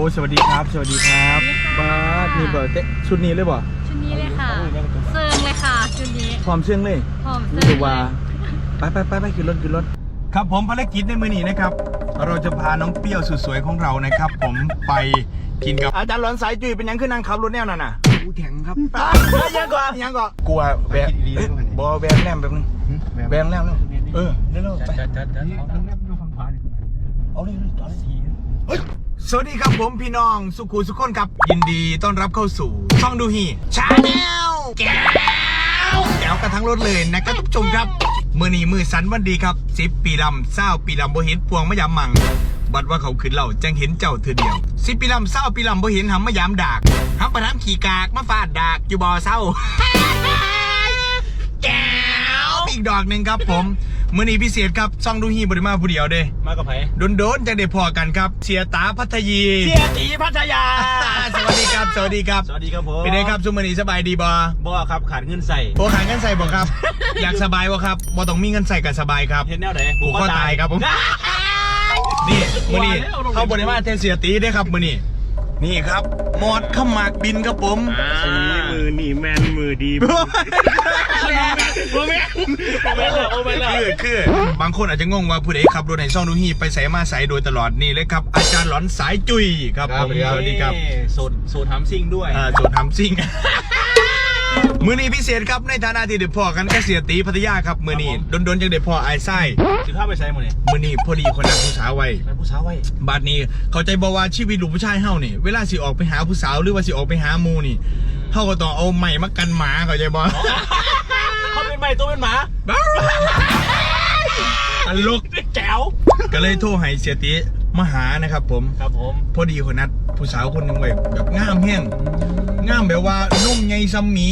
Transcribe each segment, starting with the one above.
สวัสดีครับสวัสดีครับบ้านี่เบอร์ชุดนี้เลยบ่ชุดนี้เลยค่ะเซิร์งเลยค่ะชุดนี้พร้อมเชื่องเลยพร้อมเซิร์งเลยว่าไปขึ้นรถครับผมภารกิจในมื้อนี้นะครับเราจะพาน้องเปรี้ยวสุดสวยของเรานะครับผมไปกินกับอาจารย์หลอนสายจุ้ยเป็นยังขึ้นนั่งขับรถแนวนั่นน่ะกูแข็งครับยังก่อนกลัวแบงบอแบงแนมแบบนึงแบงแนมเร็วไปเอาเลยจอดสีสวัสดีครับผมพี่น้องสุขุสุขคนครับยินดีต้อนรับเข้าสู่ช่องดูฮีชาแนลแก้วกันทั้งรถเลยนะครับทุกชมครับมื้อนี้มือสันวันดีครับ10 ปีลำ20 ปีลำบ่เห็นพวงมะยามมังบัดว่าเขาขึ้นเหล่าจังเห็นเจ้าเธอเดียว10 ปีลำ20 ปีลำบ่เห็นหำมะยามดากหำประทับขี่กากมาฟาดดากอยู่บ่อเศร้าแก้วอีกดอกหนึ่งครับผมมื้อนี้พิเศษครับช่องดูฮีบริมาผู้เดียวเด้มากับไผโดนจังได้พอกันครับเสียตาพัทยีเสียตีพัทยาสวัสดีครับสวัสดีครับผมเป็นไงครับซุมื้อนี้สบายดีบ่ครับขาดเงินใส่โอ้ขาดเงินใส่บ่ครับ อยากสบายบ่ครับบ่ต้องมีเงินใส่ก็สบายครับเห็นแนวไหนผูกคอตายครับผมนี่มื้อนี้เข้าบริมาเทเสียตีได้ครับมื้อนี้นี่ครับหมอดขมักบินครับผมมือนี่แมนมือดีคือบางคนอาจจะงงว่าผู้ใดขับรถในช่องดูฮีไปใส่มาใส่โดยตลอดนี่เลยครับอาจารย์หลอนสายจุ้ยครับผมสวัสดีครับสูตรทำซิ่งด้วยสูตรทำซิ่งมือนี้พิเศษครับในฐานะที่เด็ดพ่อกันก็เสียตีพัทยาครับมือนี้โดนจังเด็ดพ่อไอ้ไส้ถือข้าไปใช้มือนี้พอดีคนนักผู้สาวไว้บาดนี้เขาใจบอกว่าชีวิตลูกผู้ชายเฮานี่เวลาสิออกไปหาผู้สาวหรือว่าสิออกไปหามูนี่เฮาก็ต้องเอาไม้มากันหมาเขาใจบอกเขาเป็นไม้ตัวเป็นหมาตลกแจ๋วก็เลยโทรให้เสียตีมาหานะครับผมพอดีคนนัดผู้สาวคนหนึ่งไว้แบบงามแห้งงามแบบว่านุ่มใหญ่ซัมหมี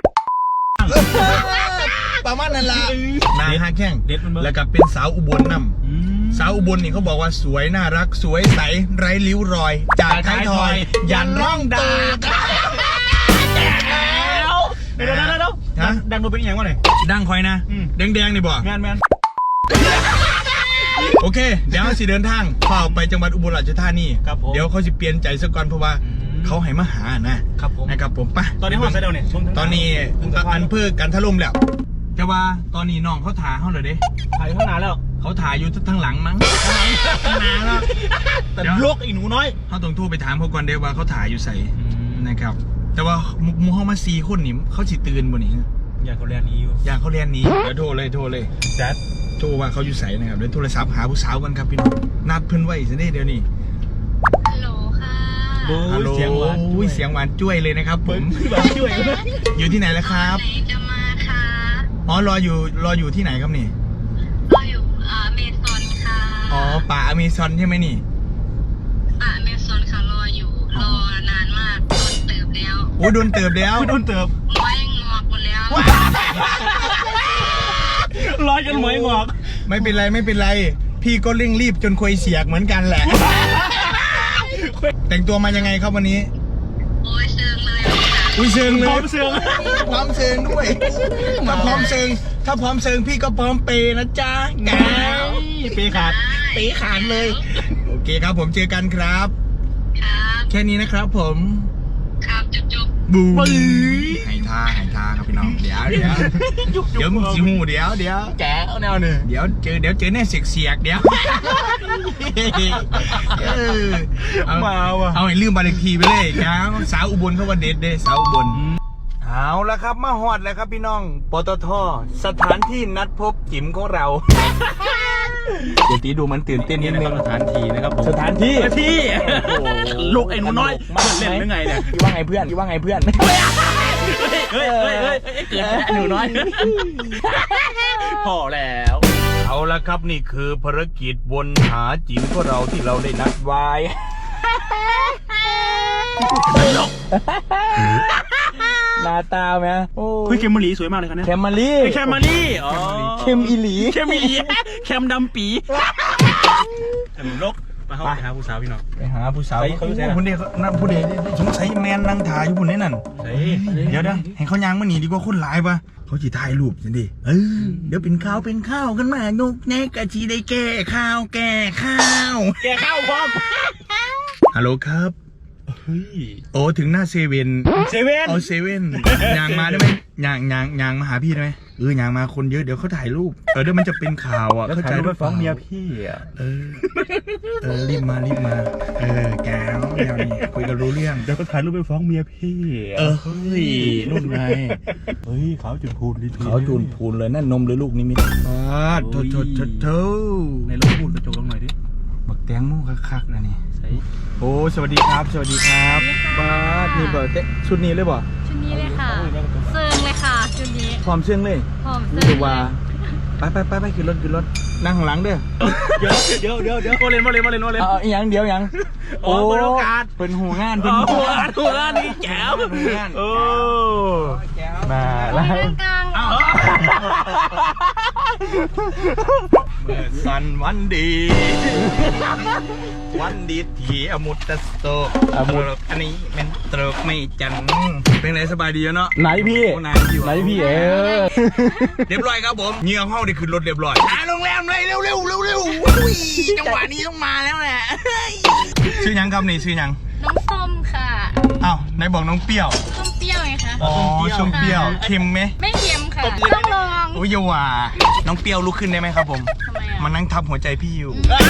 ประมาณนั้นละนาฮักแข้งแล้วก็เป็นสาวอุบลนำสาวอุบลนี่เขาบอกว่าสวยน่ารักสวยใสไร้ริ้วรอยจากท้ายทอยยันร่องดากเดี๋ยวดังดูเป็นยังไงวะเนี่ยดังคอยนะแดงนี่บอกแมนโอเคเดี๋ยวสิเดินทางเข้าไปจังหวัดอุบลราชธานีเดี๋ยวเขาจะเปลี่ยนใจซะก่อนเพราะว่าเขาให้มาหานะครับผมไปตอนนี้ห้องใส่เดียวเนี่ยตอนนี้อันเพื่อกันถล่มแล้วจะว่าตอนนี้น้องเขาถ่ายเขาเลยเด้ถ่ายข้างหน้าแล้วเขาถ่ายอยู่ทางหลังมั้งข้างหน้าแล้วแต่ลกอีหนูน้อยเขาต้องโทรไปถามเขาก่อนเดี๋ยวว่าเขาถ่ายอยู่ใส่นะครับแต่ว่ามูเขามา4 คนนี่เขาสิตื่นบ่นี่อยากเขาเรียนนี้อยู่อยากเขาเรียนนี้เดี๋ยวโทรเลยจัดโทรว่าเขาอยู่ใส่นะครับเดี๋ยวโทรศัพท์หาผู้สาวกันครับพี่น้องนัดเพิ่นไว้ซะเดี๋ยวนี้ฮัลโหลค่ะฮัลโหลเสียงหวานจ้วยเลยนะครับผมอยู่ที่ไหนแล้วครับจะมาค่ะอ๋อรออยู่ที่ไหนครับนี่รออยู่อเมซอนค่ะอ๋อป่าอเมซอนใช่ไหมนี่ป่าอเมซอนค่ะรอนานมากโดนเติบแล้วโอ้โดนเติบแล้วโดนเติบไม้งอกหมดแล้วร้อยจนไม้งอกไม่เป็นไรพี่ก็เร่งรีบจนคุยเสียกเหมือนกันแหละแต่งตัวมายังไงครับวันนี้โอ้ยเชิงเลยเชิงเลยพร้อมเชิงด้วยถ้าพร้อมเชิงพี่ก็พร้อมเปนะจ๊ะแกเปขาดเลยโอเคครับผมเจอกันครับแค่นี้นะครับผมครับจุ๊บบูให้ท่าครับพี่น้องเดี๋ยวมึงสิหูเดี๋ยวแกเอาแนวหนึ่งเดี๋ยวเจอแน่เสียกเดี๋ยวเอาให้ลืมบ้านเลขที่ไปเลยครับสาวอุบลเขาว่าเด็ดเด้สาวอุบลเอาละครับมาฮอดแล้วครับพี่น้องปตท.สถานที่นัดพบจิ๋มของเราเดี๋ยวตีดูมันตื่นเต้นนิดนึงสถานที่นะครับสถานที่ลูกไอ้หนูน้อยเล่นยังไงเนี่ยคิดว่าไงเพื่อนเฮ้ยเกิดไอ้หนูน้อยพอแล้วเอาละครับนี่คือภารกิจวนหาจิ๋มของเราที่เราได้นัดไว้หน้าตาไหมโอ้ยเคมมารีสวยมากเลยครับเนี่ยเคมมารีอ๋อเคมอีหลีเคมดำปีขนมลกมาไปหาผู้สาวพี่น้องไปหาผู้สาวเขาผู้เด็กนั่นผู้เด็กสงสัยแมนนั่งถ่ายอยู่บนนี้นั่นเดี๋ยวให้เขายางมาหนีดีกว่าคนหลายปะเขาจีถ่ายรูปสิดิเดี๋ยวเป็นข้าวกันมานุกแนกกะจีได้แก่ข้าวพร้อมฮัลโหลครับเฮ้ยโอ้ถึงหน้าเซเว่นเซเว่นเอาเซเว่นยางมาได้ไหมยางมาหาพี่ได้ไหมยางมาคนเยอะเดี๋ยวเขาถ่ายรูปเดี๋ยวมันจะเป็นข่าวอ่ะแล้วเข้าถ่าใจยรูปหไปรือเปฟ้อล่างเมียพี่อ่ะรีบมาแก้วแนวนี้คุยกันรู้เรื่องเดี๋ยวก็ถ่ายรูปไปฟ้องเมียพี่เฮ้ยนู่นไงเฮ้ยขาวจุดพูนเขาจูนพูนเลยนั่นนมหรือลูกนิมิตโถในรถพูดกระจกลงหน่อยดิบักแตงโมคักๆนะนี่ใส่โอ้สวัสดีครับบ้านี่เบอร์เตชุดนี้เลยบ่ชุดนี้เลยค่ะเซิงเลยค่ะชุดนี้พร้อมเชื่องเลยหอมรู้เซิสึงกว่าเลยไปขึ้นรถนั่งข้างหลังเด้อเดี๋ยวโมเลนเอาอีหยังเดี๋ยวหยังโอ้เปิดโอกาสเป็นหูงานหัวร้านนี้แจ๋วโอ้มาแล้วกลางเอ้าเมื่อสันวันดีที่อมุตตะสโตอันนี้เป็นตรกไม่จันเป็นไรสบายดีเนาะไหนพี่ไหนพี่เรียบร้อยครับผมเงี้ยห้องได้ขึ้นรถเรียบร้อยโรงแรมเลยเร็วจังหวะนี้ต้องมาแล้วแหละชื่อยังครับนี่ชื่อยังน้องส้มค่ะอ้าวไหนบอกน้องเปรี้ยวส้มเปรี้ยวไงคะอ๋อส้มเปรี้ยวเค็มไหมไม่เค็มค่ะต้องลองโอ้ยอย่าว่าน้องเปรี้ยวลุกขึ้นได้ไหมครับผมทำไมอ่ะมานั่งทับหัวใจพี่อยู่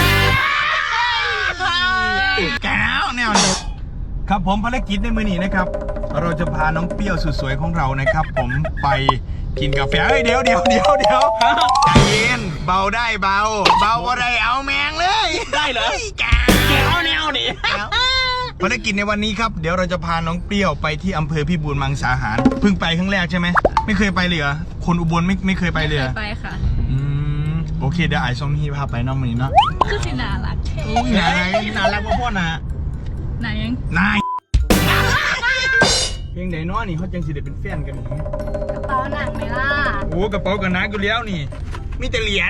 แก้วแนวนี้ครับผมภารกิจในมือนี้นะครับ เราจะพาน้องเปรี้ยวสุดสวยของเรานะครับ ผมไปกินกาแฟเดี๋ยวใจเย็นเบาได้เบาอะไรเอาแมงเลยได้เหรอแก้วแนวนี้ภารกิจในวันนี้ครับเดี๋ยวเราจะพาน้องเปรี้ยวไปที่อำเภอพิบูลมังสาหารเพิ่งไปครั้งแรกใช่ไหมไม่เคยไปเลยเหรอคนอุบลไม่เคยไปเลยเหรอไปค่ะโอเคเดี๋ยวไอ้ส้มพี่พาไปน้องมือนี้เนาะคือสิน่ารักน่ารักมาพ่อนะไหนยังนายเพียงไหนน้อนี่เขาจังสิได้เป็นแฟนกันนี่กระเป๋าหนังไหมล่ะโอ้กระเป๋ากันนักอยู่แล้วนี่มีแต่เหรียญ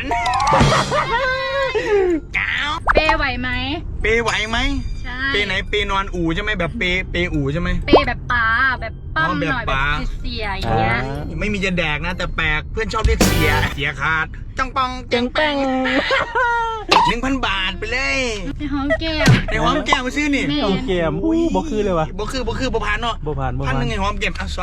ก้าวเปไหวไหมเปไหวไหมใช่เปไหนเปนอนอู่ใช่ไหมแบบเปอู่ใช่ไหมเปแบบป๋าแบบปั้มหน่อยแบบแบบป๋าเสียๆอย่างเงี้ยไม่มีจะแดกนะ แต่แปลกเพื่อนชอบเรียกเสียขาดจังปองจังแป้ง1,000 บาทไปเลยในห้องเก็บในหอมแก้มมาซื้อนี่แม่เอาเกมอุ้ยบ่คือเลยวะบ่คือบ่พันเนาะบ่ผ่าน 1,000ไงหอมแก้มอ่ะ2,000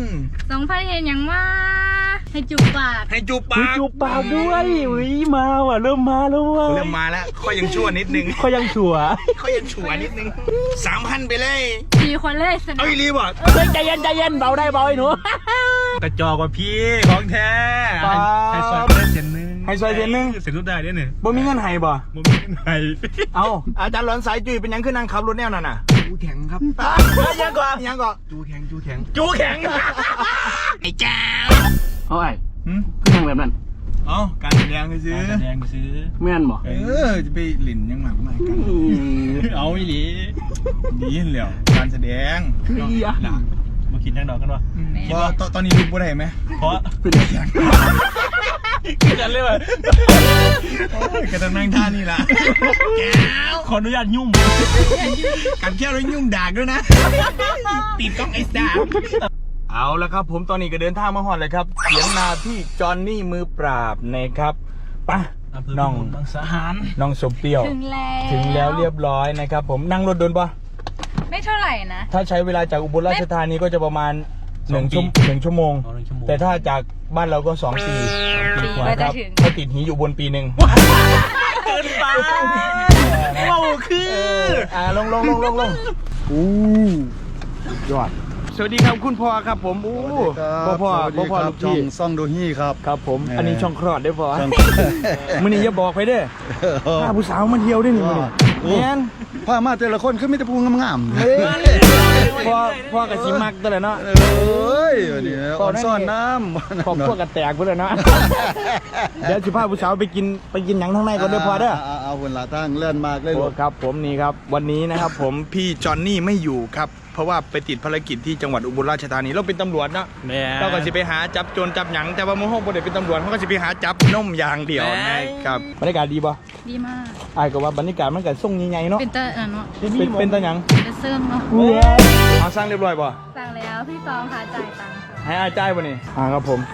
2,000เห็นยังว่าให้จุกปากให้จูบปากจูบปากด้วยอุ้ยมาว่ะเริ่มมาแล้วว่ะเริ่มมาแล้วข้อยังชั่วนิดนึงเขายังชัวร์ข้อยังชั่วนิดนึง 3,000 ไปเลย 4 คนเลยสนุเอ้กยรีบอ่ะเฮ้ยใจเย็นเบาได้เบาไอ้หนูกระจอกว่าพี่ของแท้ป๊าบให้ซอยได้เซนนึงเสร็จทุกได้เนี่ยบ่มีเงินให้บ่บ่มีไหนเอาอาจารย์หลอนสายจุยเป็นยังขึ้นนั่งขับรถแนวนั่นน่ะจูแข็งครับยังก่อนจูแข็งไอ้เจ้าเอาไอ้คือทางแบบนั้นเอาการแสดงซื้อแสดงซื้อแม่นบ่จะไปหลินยังหมากไม่กันเอาอีหลีดีเหลียวการแสดงคืออีอ่ะมากินนั่งดอกกันวะตอนนี้ลุกบ่ได้ไหมเพราะเป็นแข็งกินกันเลยว่ะก็ต้องนั่งท่านี่ล่ะแก้วขออนุญาตยุ่งกันแค่แล้วยุ่งดากด้วยนะปิดกล้องไอ้สาเอาละครับผมตอนนี้ก็เดินทางมาฮอดเลยครับเสียงนาพี่จอนนี่มือปราบนะครับป่ะน้องบางสาหารน้องสมเปรี้ยวถึงแล้วเรียบร้อยนะครับผมนั่งรถโดนปะไม่เท่าไหร่นะถ้าใช้เวลาจากอุบลราชธานีก็จะประมาณ1 ชั่วโมง แต่ถ้าจากบ้านเราก็2 ปีกว่าครับเขาติดหีอยู่บนปีหนึ่งเกินไปว้าวคือลงอู้ยอดสวัสดีครับคุณพ่อครับผมอู้พ่อลูกช่อพี่งซ่องดูฮี่ครับครับผมอันนี้ช่องคลอดได้พอมื้อนี้อย่าบอกไปเด้อพาผู้สาวมาเที่ยวด้วยนี่มื้อนี้แม่นพามาแต่ละคนคือมีแต่พูงามๆเฮ้ยพ่อกับสิมักตัวเลยเนาะเอ้ยวันนี้อ่อนซ่อนน้ำขอบพวกกันแตกเพื่อนเลยเนาะเดี๋ยวสิพาผู้สาวไปกินหยังข้างในก่อนเด้อพอเด้อเอาคนละตั้งเลื่อนมากเลยโอ้ครับผมนี่ครับวันนี้นะครับผมพี่จอนนี่ไม่อยู่ครับเพราะว่าไปติดภารกิจที่จังหวัดอุบลราชธานีเราเป็นตำรวจเนาะเนี่ยเราก็สิไปหาจับโจรจับหยังแต่ว่าโมโหบ่ได้เป็นตำรวจเขาก็สิไปหาจับนมอย่างเดียวนะครับบรรยากาศดีป่ะดีมากไอ้ก็ว่าบรรยากาศมันก็ส่งใหญ่ๆเนาะเป็นเตอร์เนาะเป็นตาหยังจะเซิร์มเนาะเอาสร้างเรียบร้อยป่ะสั่งแล้วพี่ซองค่ะจ่ายตังค์ค่ะให้อาจ่ายป่ะนี่ครับผม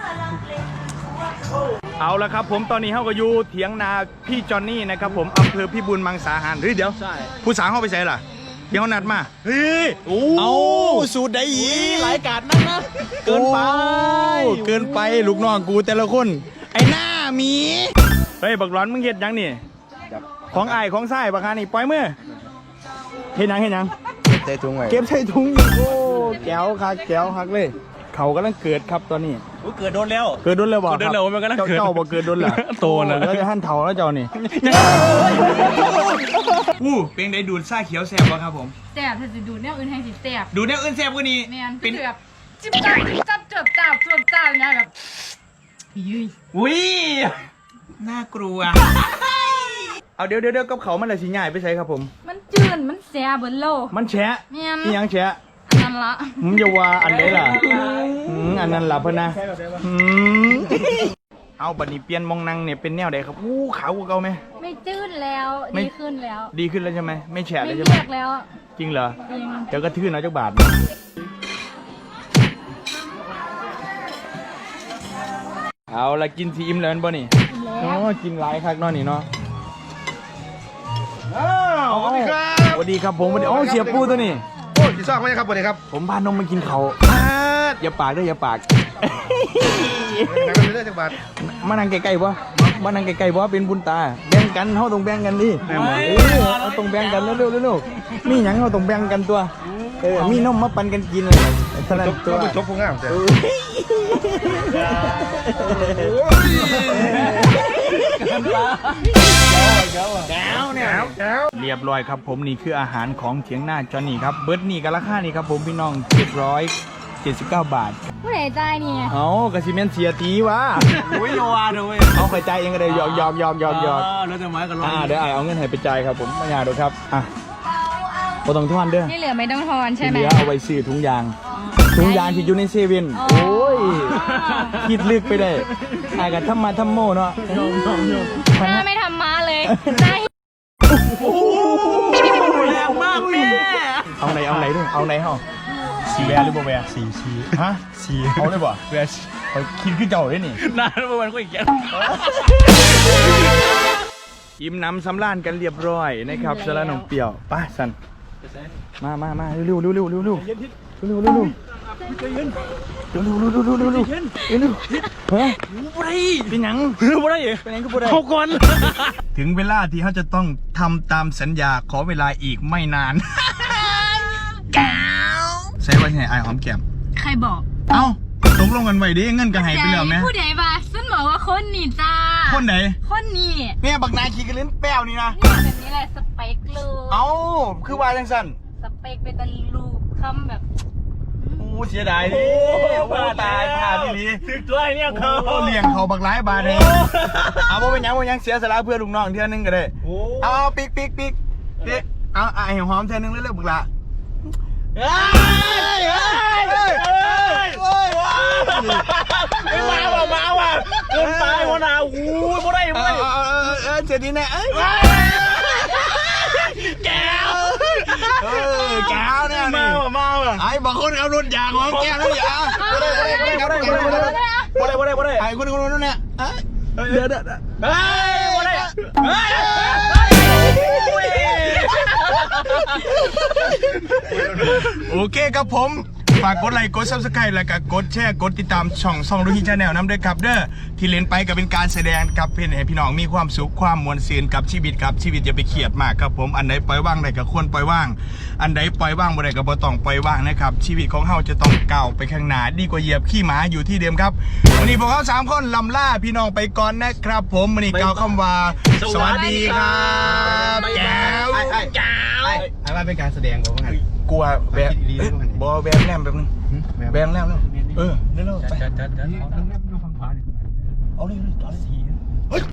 เอาละครับผมตอนนี้เขาก็อยู่เถียงนาพี่จอนนี่นะครับผมอำเภอพิบูลมังสาหารเฮ้ยเดี๋ยวผู้สาวเข้าไปใส่ล่ะเดี๋ยวนัดมาเฮ้ยโอ้เอาสูตรใดอีหลายกาดนั่นนะเกินไปโอ้เกินไปลูกน้องกูแต่ละคนไอ้หน้าหมีเฮ้ยบักร้อนมึงเฮ็ดยังนี่ของอ้ายของไส้บักฮานี่ปล่อยมือเฮ็ดหยังใส่ถุงไว้เก็บใส่ถุงอีกโอ้แก้วคักเลยเขากำลังเกิดครับตอนนี้เกิดโดนแล้วเกิดโดนแล้วบ่เกิดโดนแล้วมันกำลังเกิดเจ้าบ่เกิดโดนเหรอโตแล้วแล้วจะหั่นเถาแล้วเจ้านี่อู้เป็นได้ดูดซ่าเขียวแซ่บบ่ครับผมแซ่บถ้าจะดูดแนวอื่นให้สิแซ่บดูดแนวอื่นแซ่บกว่านี้แม่นเป็นคือแบบจิ๊บจ้าเจือบจ้านะแบบยืยอุ้ยน่ากลัวเอาเดี๋ยวกับเขามันอะไรสิง่ายไปใช้ครับผมมันจืดมันแซ่บเบิดโลมันแฉะแม่นนี่ยังแฉะนั่นละมึงจะว่าอันไหนล่ะอันนั้นล่ะเพิ่นนะเอาบัดนี้เปลี่ยนมองนั่งเนี่ยเป็นแนวใดครับอู้ขาวกว่าเก่าไหมไม่จืดแล้วไม่ดีขึ้นแล้วดีขึ้นแล้วใช่ไหมไม่แฉะไม่เลยใช่ไหมเรียกแล้วจริงเหรอจริงเดี๋ยวก็ทื่นเอาจักบาทเอาละกินทีอิ่มแล้วแม่นบ่นี่อ๋อกินหลายคักเนาะนี่เนาะสวัสดีครับสวัสดีครับผมสวัสดีอ๋อเสียปูตัวนี้โอ้ยพี่ซอกไหมครับสวัสดีครับผมพานมมากินเขาอย่าปากด้วยอย่าปากนักเรียนจังหวัดมานั่งใกล้ๆบ่มานั่งใกล้ๆบ่เป็นบุญตาแบ่งกันเฮาต้องแบ่งกันดิเราต้องแบ่งกันเร็วๆมีหยังเฮาต้องแบ่งกันตัวมีนมมาปันกันกินเลยเท่านั้นตัวต้องจบพวกงามแต่เรียบร้อยครับผมนี่คืออาหารของเถียงหน้าจอนี่ครับเบิร์ดนี่กับราคานี่ครับผมพี่น้อง779 บาทผู้ใดใจเนี่ยเอากระซิเมนเสียตีวะโอ้ยโยอาเด้อเว้ยเอาไปจ่ายเองก็ได้หยอกแล้วจะไม้กันร้อยเดี๋ยวเอาเงินให้ไปจ่ายครับผมไม่ยากหรอกครับบ่ต้องทอนเด้อที่เหลือไม่ต้องทอนใช่ที่ไหเหมลือเอาไว้ซื้อถุงยางที่อยู่ในเซเว่นอ๋อโอ้ยคิดลึกไปได้อายกันทำมาทำโมเนาะหน้าไม่ทำม้าเลยหน้าแรงมากแม่เอาไหนด้วยเอาไหนเฮาสีแวร์หรือบ่แวร์สีฮะสีเอาเลยบ่แวร์เขาคิดคือเจ้าเลยนี่นานเมื่อวันก็อีกอย่างอิ่มน้ำสำราญกันเรียบร้อยนะครับสละนมเปรี้ยวไป้าสันมาเร็วเฮ้ยเป็นหยังบ่ได้เป็นหยังก็บ่ได้เข้าก่อนถึงเวลาที่เขาจะต้องทำตามสัญญาขอเวลาอีกไม่นานใช้ว่าไงไอหอมแก้มใครบอกเอ้าตกลงกันไว้ดิเงินก็ให้ไปแล้วไหมผู้ใดว่าฉันบอกว่าคนนี่จ้าคนไหนคนนี่เนี่ยบักนายขี่กระลิ้นแป้วนี่นะนี่แบบนี้แหละสเปคเลยเอ้าคือว่าจังสันสเปคเป็นตะลูกคำแบบโอ้เสียดายดิว่าตายพาพี่ลีถึงตัวเนี่ยเขาโอ้เลี้ยงเขาบักหลายบาทเลยเอาบ่เป็นหยังเสียสละเพื่อลูกน้องเท่านึงก็ได้เอาปิกเอาไอ้หอมเท่านึงเร็วๆบักละมาว่ะเกินไปวะนะโอ้ยบ่ได้เจดีแน่แก้วเนี่ยมาว่ะไอ้บางคนเอารถยางของแก้วแล้วอย่าบ่ได้ไอ้คนนู้นเนี่ยเดี๋ยวโอเคครับผมฝากกดไลค์กด Subscribe แล้วก็กดแชร์กดติดตามช่องดูฮีชาแนลน้ำด้วยครับเด้อที่เล่นไปก็เป็นการแสดงกับเพื่อนให้พี่น้องมีความสุขความมวลซื่นกับชีวิตครับชีวิตอย่าไปเครียดมากครับผมอันไหนปล่อยว่างได้ก็ควรปล่อยว่างอันไหนปล่อยว่างบ่ได้ก็บ่ต้องปล่อยว่างนะครับชีวิตของเฮาจะต้องก้าวไปข้างหน้าดีกว่าเหยียบขี้หมาอยู่ที่เดิมครับวันนี้พวกเขา3คนลำล่าพี่น้องไปก่อนนะครับผมวันนี้กล่าวคำว่าสวัสดีครับแก้วไอ้ว่าเป็นการแสดงของมันกลัวแวะบอแวะแนมแบบนึงแวะแนมแล้วเร็วๆไปเอาเลยจอดสี